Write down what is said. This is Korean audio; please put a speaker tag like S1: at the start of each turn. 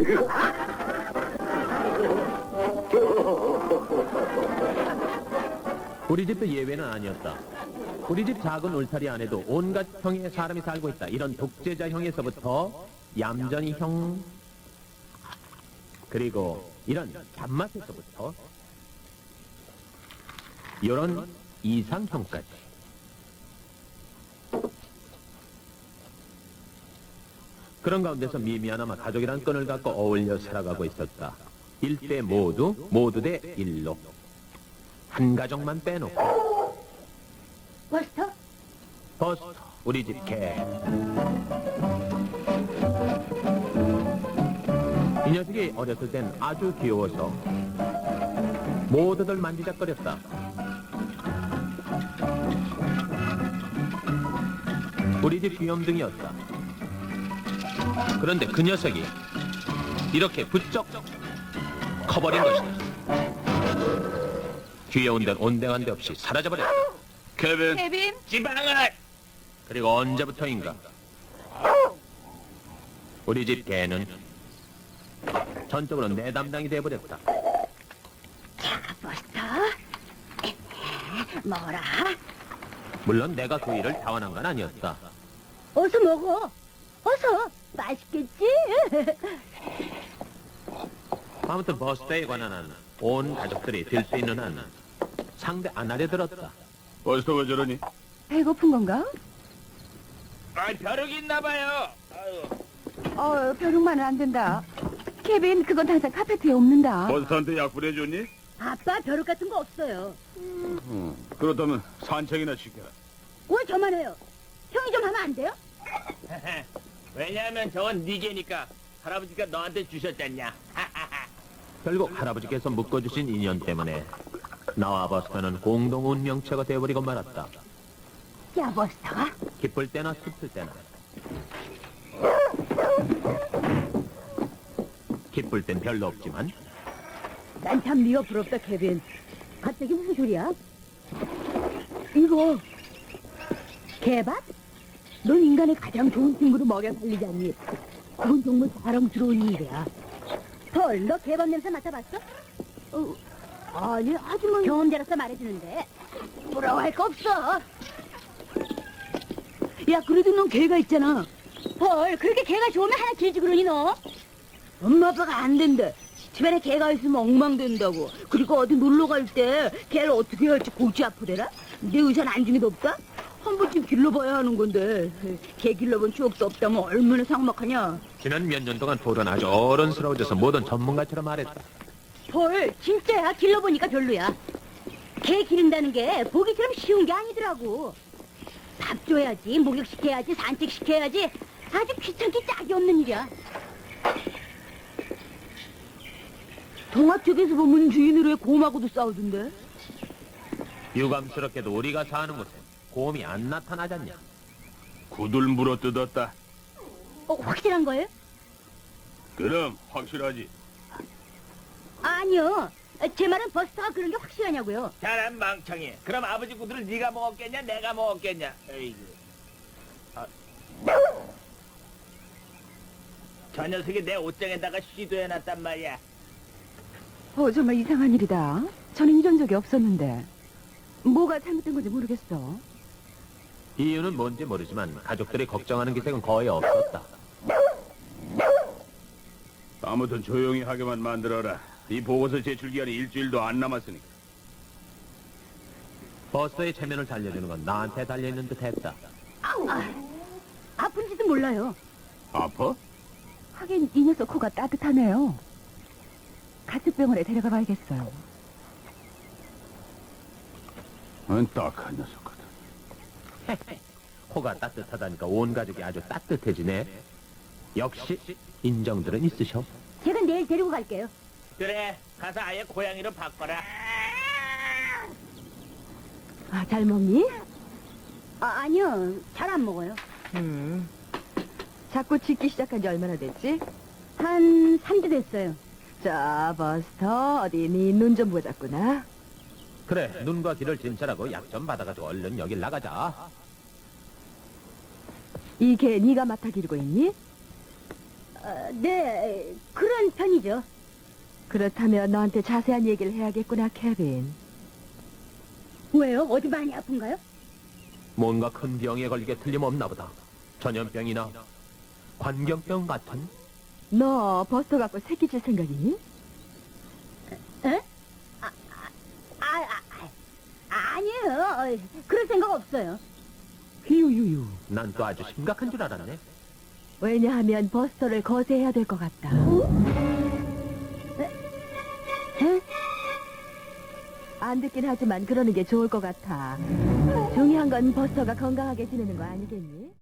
S1: 우리 집도 예외는 아니었다. 우리 집 작은 울타리 안에도 온갖 형의 사람이 살고 있다. 이런 독재자 형에서부터 얌전히 형, 그리고 이런 잡맛에서부터 이런 이상형까지. 그런 가운데서 미미하나마 가족이란 끈을 갖고 어울려 살아가고 있었다. 일대 모두 대 일로. 한 가족만 빼놓고.
S2: 버스터?
S1: 버스터, 우리 집 개. 이 녀석이 어렸을 땐 아주 귀여워서 모두들 만지작거렸다. 우리 집 귀염둥이였다. 그런데 그 녀석이 이렇게 부쩍 커버린 것이다. 귀여운 데는 온데간 데 없이 사라져버렸다.
S2: 케빈?
S1: 지방을! 그리고 언제부터인가 우리 집 개는 전적으로 내 담당이 돼버렸다.
S2: 자, 버스터. 먹어라.
S1: 물론 내가 그 일을 자원한 건 아니었다.
S2: 어서 먹어. 어서. 맛있겠지?
S1: 아무튼 버스터에 관한 한 온 가족들이 들 수 있는 한 상대 안 하려 들었다.
S3: 버스터가 저러니?
S2: 배고픈 건가?
S4: 벼룩이 있나봐요.
S2: 벼룩만은 안 된다. 케빈, 그건 항상 카페트에 없는다.
S3: 버스터한테 약 뿌려줬니?
S2: 아빠, 벼룩 같은 거 없어요.
S3: 그렇다면 산책이나 시켜라.
S2: 왜 저만 해요? 형이 좀 하면 안 돼요?
S4: 왜냐하면 저건 네 개니까 할아버지가 너한테 주셨잖냐.
S1: 결국 할아버지께서 묶어주신 인연 때문에 나와 버스터는 공동 운명체가 되어버리고 말았다.
S2: 야, 버스터가?
S1: 기쁠 때나 슬플 때나. 기쁠 땐 별로 없지만
S2: 난 참 네가 부럽다, 케빈. 갑자기 무슨 소리야? 이거 개밥? 넌 인간의 가장 좋은 친구로 먹여 살리지 않니? 그건 정말 자랑스러운 일이야. 헐, 너 개밥 냄새 맡아봤어? 아니, 아주머니 경험자로서 말해주는데 부러워할 거 없어. 야, 그래도 넌 개가 있잖아. 헐, 그렇게 개가 좋으면 하나 길지 그러니 너? 엄마 아빠가 안 된대. 집안에 개가 있으면 엉망된다고. 그리고 어디 놀러 갈 때 개를 어떻게 해야 할지 골치 아프대라. 내 의사는 안중에도 없다? 한 번쯤 길러봐야 하는 건데 개 길러본 추억도 없다면 얼마나 삭막하냐.
S1: 지난 몇 년 동안 폴은 아주 어른스러워져서 모든 전문가처럼 말했다.
S2: 폴, 진짜야. 길러보니까 별로야. 개 기른다는 게 보기처럼 쉬운 게 아니더라고. 밥 줘야지, 목욕시켜야지, 산책시켜야지. 아주 귀찮기 짝이 없는 일이야. 동화 쪽에서 보면 주인으로의 곰하고도 싸우던데.
S1: 유감스럽게도 우리가 사는 곳에 곰이 안 나타나잖냐.
S3: 구들 물어뜯었다.
S2: 확실한 거예요?
S3: 그럼 확실하지.
S2: 아니요. 제 말은 버스터가 그런 게 확실하냐고요.
S4: 잘한 망청이. 그럼 아버지 구두를 네가 먹었겠냐, 내가 먹었겠냐. 에이구. 저 녀석이 내 옷장에다가 시도해놨단 말이야.
S5: 정말 이상한 일이다. 저는 이런 적이 없었는데. 뭐가 잘못된 건지 모르겠어.
S1: 이유는 뭔지 모르지만 가족들이 걱정하는 기색은 거의 없었다.
S3: 아무튼 조용히 하게만 만들어라. 이 보고서 제출 기한이 일주일도 안 남았으니까.
S1: 버스의 체면을 살려주는 건 나한테 달려있는 듯 했다.
S2: 아픈지도 몰라요.
S3: 아파?
S5: 하긴 이 녀석 코가 따뜻하네요. 가축병원에 데려가 봐야겠어요.
S3: 딱한 녀석 같아.
S1: 코가 따뜻하다니까 온 가족이 아주 따뜻해지네. 역시 인정들은 있으셔.
S2: 제가 내일 데리고 갈게요.
S4: 그래, 가서 아예 고양이로 바꿔라.
S5: 잘 먹니?
S2: 아니요. 잘 안 먹어요.
S5: 자꾸 짖기 시작한 지 얼마나 됐지?
S2: 한 3주 됐어요.
S5: 자, 버스터, 어디 네 눈 좀 보자꾸나.
S1: 그래, 눈과 귀를 진찰하고 약 좀 받아가지고 얼른 여길 나가자.
S5: 이 개 네가 맡아 기르고 있니?
S2: 네, 그런 다행이죠.
S5: 그렇다면 너한테 자세한 얘기를 해야겠구나, 케빈.
S2: 왜요? 어디 많이 아픈가요?
S1: 뭔가 큰 병에 걸리게 틀림없나 보다. 전염병이나 관경병 같은.
S5: 너 버스터 갖고 새끼질 생각이니?
S2: 에? 아니에요. 그럴 생각 없어요.
S5: 휴유유.
S1: 난 또 아주 심각한 줄 알았네.
S5: 왜냐하면 버스터를 거세해야 될 것 같다.
S2: 에?
S5: 안 듣긴 하지만 그러는 게 좋을 것 같아. 중요한 건 버스터가 건강하게 지내는 거 아니겠니?